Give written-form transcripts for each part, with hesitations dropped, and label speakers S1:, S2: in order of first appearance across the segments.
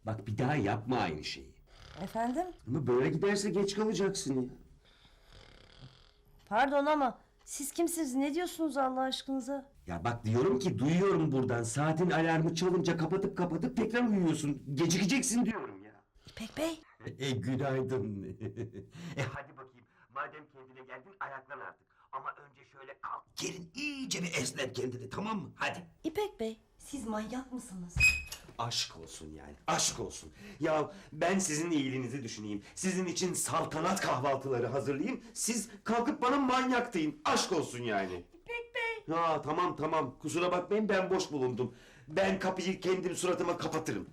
S1: Bak bir daha yapma aynı şeyi.
S2: Efendim?
S1: Ama böyle giderse geç kalacaksın ya.
S2: Pardon ama siz kimsiniz? Ne diyorsunuz Allah aşkınıza?
S1: Ya bak diyorum ki duyuyorum buradan. Saatin alarmı çalınca kapatıp tekrar uyuyorsun. Gecikeceksin diyorum ya.
S2: İpek Bey.
S1: Günaydın. Hadi bakayım. Madem kendine geldin ayaklan artık. Ama önce şöyle kalk. Gelin iyice bir esnet kendini, tamam mı? Hadi.
S2: İpek Bey, siz manyak mısınız?
S1: Aşk olsun yani, aşk olsun. Ya ben sizin iyiliğinizi düşüneyim. Sizin için saltanat kahvaltıları hazırlayayım. Siz kalkıp bana manyak deyin. Aşk olsun yani.
S2: İpek Bey.
S1: Ya tamam. Kusura bakmayın, ben boş bulundum. Ben kapıyı kendim suratıma kapatırım.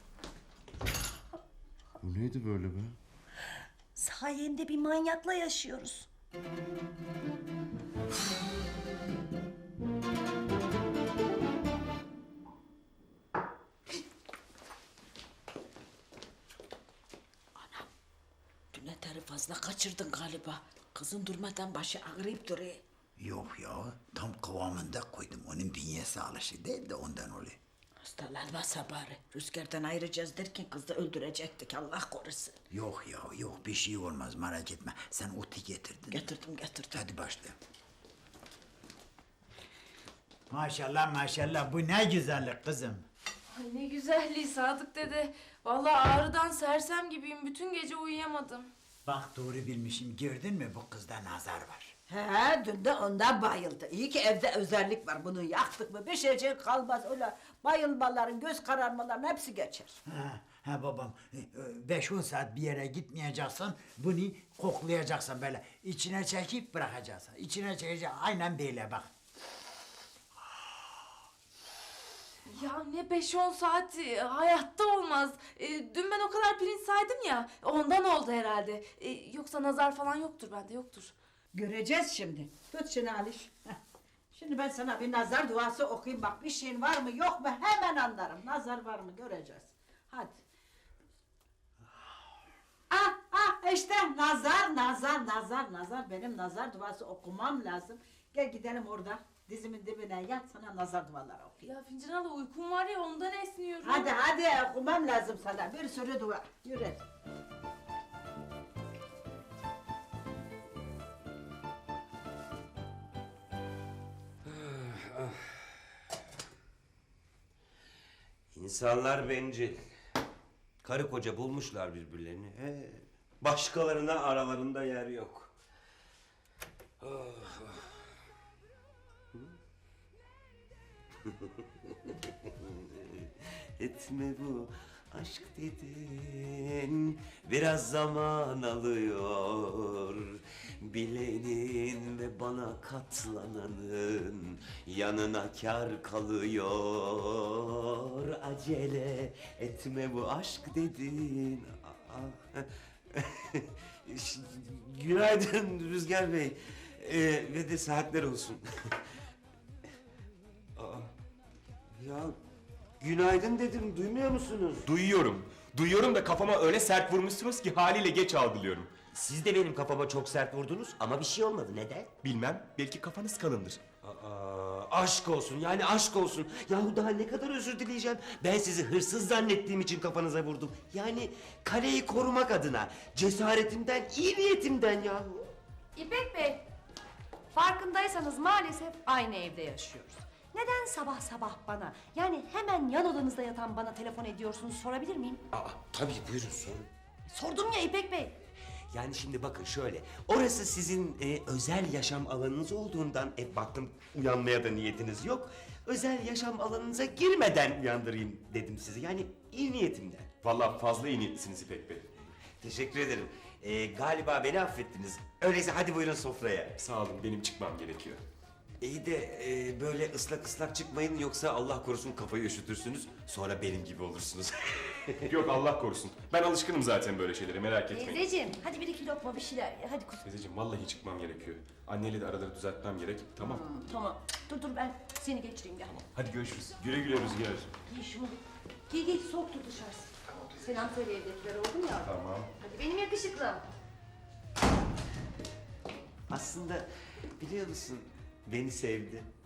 S3: Bu neydi böyle be?
S2: Sayende bir manyakla yaşıyoruz.
S4: Dün eteri fazla kaçırdın galiba. Kızın durmadan başı ağrıyıp duruyor.
S5: Yok ya, tam kıvamında koydum. Onun bünyesi alışık değil de ondan oluyor.
S4: Hastalanmasa bari. Rüzgardan ayıracağız derken kızı öldürecektik, Allah korusun.
S5: Yok ya, yok bir şey olmaz, merak etme. Sen otu getirdin.
S4: Getirdim.
S5: Hadi başla. Maşallah, bu ne güzellik kızım.
S6: Ay ne güzelliği Sadık dede. Vallahi ağrıdan sersem gibiyim. Bütün gece uyuyamadım.
S5: Bak doğru bilmişim, gördün mü bu kızda nazar var.
S4: He, dün de ondan bayıldı. İyi ki evde özellik var. Bunu yaktık mı bir şeycik kalmaz. Öyle bayılmaların, göz kararmaların hepsi geçer.
S5: Ha babam, 5-10 saat bir yere gitmeyeceksin, bunu koklayacaksın böyle. İçine çekip bırakacaksın. İçine çekeceksin, aynen böyle bak.
S6: Ya ne 5-10 saat hayatta olmaz. Dün ben o kadar pirinç saydım ya. Ondan oldu herhalde. Yoksa nazar falan yoktur bende, yoktur.
S4: Göreceğiz şimdi. Tut şunu Aliş. Heh. Şimdi ben sana bir nazar duası okuyayım. Bak bir şeyin var mı yok mu hemen anlarım. Nazar var mı göreceğiz. Hadi. İşte nazar. Benim nazar duası okumam lazım. Gel gidelim orada. Dizimin dibine yat, sana nazar duaları okuyayım.
S6: Ya Fincan abla uykum var ya ondan esniyorum.
S4: Hadi okumam lazım sana. Bir sürü dua. Yürü.
S1: İnsanlar bencil. Karı koca bulmuşlar birbirlerini. Başkalarına aralarında yer yok. Etme bu aşk dedin, biraz zaman alıyor. Bilenin ve bana katlananın yanına kar kalıyor. Acele etme bu aşk dedin. Günaydın Rüzgar Bey. Ve de saatler olsun. Ya günaydın dedim, duymuyor musunuz?
S3: Duyuyorum da kafama öyle sert vurmuşsunuz ki haliyle geç algılıyorum.
S1: Siz de benim kafama çok sert vurdunuz ama bir şey olmadı. Neden?
S3: Bilmem, belki kafanız kalındır.
S1: Aşk olsun, yani aşk olsun. Yahu daha ne kadar özür dileyeceğim. Ben sizi hırsız zannettiğim için kafanıza vurdum. Yani kaleyi korumak adına, cesaretimden, iyi niyetimden yahu.
S7: İpek Bey, farkındaysanız maalesef aynı evde yaşıyoruz. Neden sabah sabah bana, yani hemen yan odanızda yatan bana telefon ediyorsunuz sorabilir miyim?
S1: Tabii buyurun sorun.
S7: Sordum ya İpek Bey.
S1: Yani şimdi bakın şöyle, orası sizin özel yaşam alanınız olduğundan, baktım uyanmaya da niyetiniz yok. Özel yaşam alanınıza girmeden uyandırayım dedim sizi, yani iyi niyetimden.
S3: Vallahi fazla iyi niyetlisiniz İpek Bey.
S1: Teşekkür ederim. Galiba beni affettiniz. Öyleyse hadi buyurun sofraya.
S3: Sağ olun, benim çıkmam gerekiyor.
S1: İyi de böyle ıslak çıkmayın, yoksa Allah korusun kafayı üşütürsünüz. Sonra benim gibi olursunuz.
S3: Yok Allah korusun. Ben alışkınım zaten böyle şeylere, merak etmeyin.
S7: Teyzeciğim, hadi bir iki lokma bir şeyler ye. Hadi kuzum.
S3: Teyzeciğim vallahi çıkmam gerekiyor. Anneyle de araları düzeltmem gerek. Tamam.
S7: Tamam. Dur ben seni geçireyim gel.
S3: Hadi görüşürüz. Güle güle Rüzgar.
S7: Giy şunu. Giy soğuktur dışarısı. Selam söyle evdekilere oldu mu ya?
S3: Tamam.
S7: Hadi benim yakışıklım.
S1: Aslında biliyor musun, beni sevdi.